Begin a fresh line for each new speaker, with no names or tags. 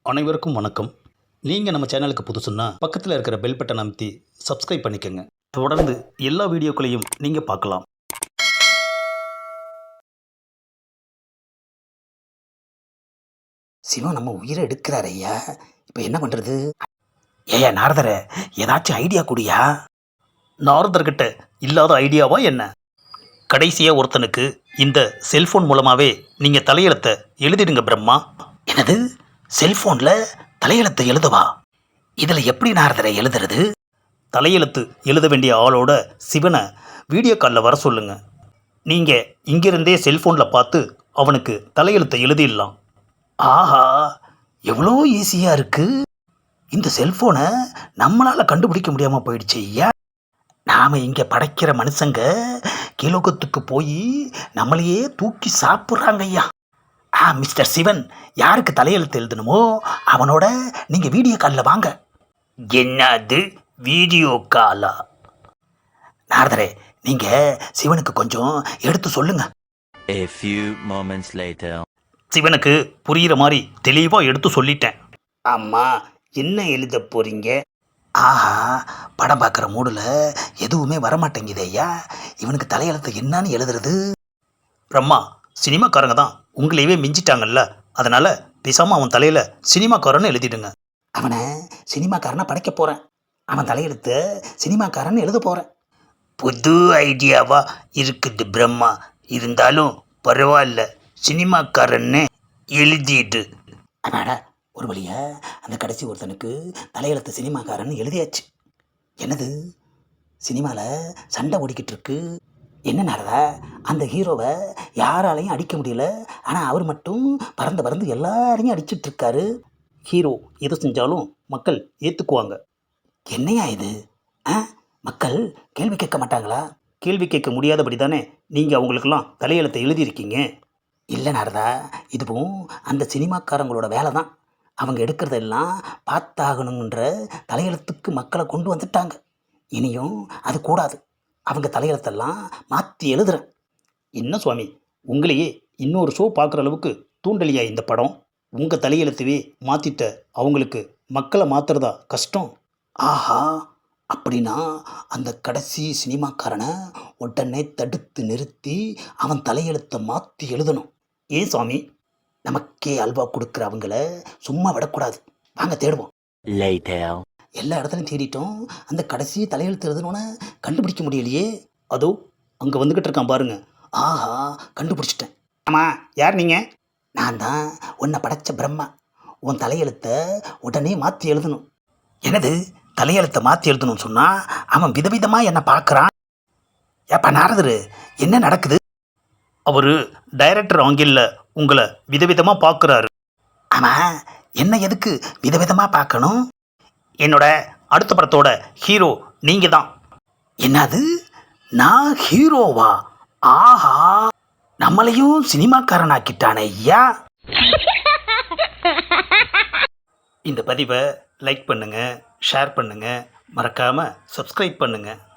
அனைவருக்கும் வணக்கம். நீங்கள் நம்ம சேனலுக்கு புதுசுன்னா பக்கத்தில் இருக்கிற பெல் பட்டனை அமைத்தி சப்ஸ்கிரைப் பண்ணிக்கோங்க. தொடர்ந்து எல்லா வீடியோக்களையும் நீங்கள் பார்க்கலாம்.
சிவன் நம்ம உயிரை எடுக்கிறார் ஐயா. இப்போ என்ன பண்ணுறது? ஏயா நாரதரை ஏதாச்சும் ஐடியா கூடியா?
நாரதர்கிட்ட இல்லாத ஐடியாவா என்ன? கடைசியாக ஒருத்தனுக்கு இந்த செல்ஃபோன் மூலமாகவே நீங்கள் தலையெழுத்தை எழுதிடுங்க பிரம்மா.
என்னது, செல்ஃபோனில் தலையெழுத்தை எழுதுவா? இதில் எப்படி நாரதரை எழுதுறது?
தலையெழுத்து எழுத வேண்டிய ஆளோட சிவனை வீடியோ காலில் வர சொல்லுங்க. நீங்கள் இங்கிருந்தே செல்ஃபோனில் பார்த்து அவனுக்கு தலையெழுத்தை எழுதிடலாம்.
ஆஹா, எவ்வளோ ஈஸியாக இருக்குது. இந்த செல்ஃபோனை நம்மளால் கண்டுபிடிக்க முடியாமல் போயிடுச்சு ஐயா. நாம் இங்கே படைக்கிற மனுஷங்க கீழோகத்துக்கு போய் நம்மளையே தூக்கி சாப்பிட்றாங்க ஐயா. மிஸ்டர் சிவன், யாருக்கு தலையெழுத்து எழுதணுமோ அவனோட நீங்கள் வீடியோ காலில் வாங்க.
என்னது வீடியோ காலா?
நாரதரே, நீங்கள் சிவனுக்கு கொஞ்சம் எடுத்து சொல்லுங்க.
A few moments later.
சிவனுக்கு புரிகிற மாதிரி தெளிவாக எடுத்து சொல்லிட்டேன்.
அம்மா, என்ன எழுத போகிறீங்க? ஆஹா, படம் பார்க்குற மூடில் எதுவுமே வரமாட்டேங்குது ஐயா. இவனுக்கு தலையெழுத்து என்னன்னு எழுதுறது?
பிரம்மா, சினிமாக்காரங்க தான் உங்களையவே மிஞ்சிட்டாங்கல்ல, அதனால் பேசாமல் அவன் தலையில் சினிமாக்காரன்னு எழுதிடுங்க.
அவனை சினிமாக்காரனை படைக்க போகிறேன். அவன் தலையெழுத்து சினிமாக்காரன்னு எழுத போகிறேன்.
புது ஐடியாவா இருக்குது பிரம்மா. இருந்தாலும் பரவாயில்ல, சினிமாக்காரன்னு எழுதிடு.
அடாடா, ஒரு வழியா அந்த கடைசி ஒருத்தனுக்கு தலையெழுத்து சினிமாக்காரன்னு எழுதியாச்சு. என்னது, சினிமாவில் சண்டை ஓடிக்கிட்டு இருக்கு. என்ன நாரதா, அந்த ஹீரோவை யாராலையும் அடிக்க முடியல, ஆனால் அவர் மட்டும் பறந்து பறந்து எல்லாரையும் அடிச்சிட்டு இருக்காரு.
ஹீரோ எது செஞ்சாலும் மக்கள் ஏற்றுக்குவாங்க.
என்னையா இது? மக்கள் கேள்வி கேட்க மாட்டாங்களா?
கேள்வி கேட்க முடியாதபடி தானே நீங்கள் அவங்களுக்கெல்லாம் தலையெழுத்தை எழுதியிருக்கீங்க.
இல்லை நாரதா, இதுவும் அந்த சினிமாக்காரங்களோட வேலை தான். அவங்க எடுக்கிறதெல்லாம் பார்த்தாகணுன்ற தலையெழுத்துக்கு மக்களை கொண்டு வந்துட்டாங்க. இனியும் அது கூடாது. அவங்க தலையெழுத்தெல்லாம் மாற்றி எழுதுறேன்.
என்ன சுவாமி, உங்களையே இன்னொரு ஷோ பார்க்குற அளவுக்கு தூண்டலியா இந்த படம்? உங்கள் தலையெழுத்துவே மாற்றிட்ட அவங்களுக்கு மக்களை மாற்றுறதா கஷ்டம்.
ஆஹா, அப்படின்னா அந்த கடைசி சினிமாக்காரனை உடனே தடுத்து நிறுத்தி அவன் தலையெழுத்தை மாற்றி எழுதணும்.
ஏன் சுவாமி?
நமக்கே அல்வா கொடுக்குற அவங்கள சும்மா விடக்கூடாது. வாங்க தேடுவோம்.
Later.
எல்லா இடத்துலையும் தேடிட்டோம். அந்த கடைசி தலையெழுத்து எழுதணுன்னு கண்டுபிடிக்க முடியலையே.
அதோ அங்கே வந்துக்கிட்டு இருக்கான் பாருங்க.
ஆஹா, கண்டுபிடிச்சிட்டேன்.
ஆமாம், யார் நீங்கள்?
நான் தான் உன்னை படைச்ச பிரம்மா. உன் தலையெழுத்தை உடனே மாற்றி எழுதணும். என்னது, தலையெழுத்தை மாற்றி எழுதணும்னு சொன்னால் அவன் விதவிதமாக என்னை பார்க்குறான். ஏப்பா நாரதரு, என்ன நடக்குது?
அவர் டைரக்டர் ஆங்கிளில் உங்களை விதவிதமாக பார்க்குறாரு.
ஆமாம், என்ன எதுக்கு விதவிதமாக பார்க்கணும்?
என்னோட அடுத்த படத்தோட ஹீரோ நீங்கள் தான்.
என்னது, நான் ஹீரோவா? ஆஹா, நம்மளையும் சினிமாக்காரனாக்கிட்டானே ஐயா.
இந்த பதிவை லைக் பண்ணுங்கள், ஷேர் பண்ணுங்கள், மறக்காமல் சப்ஸ்கிரைப் பண்ணுங்கள்.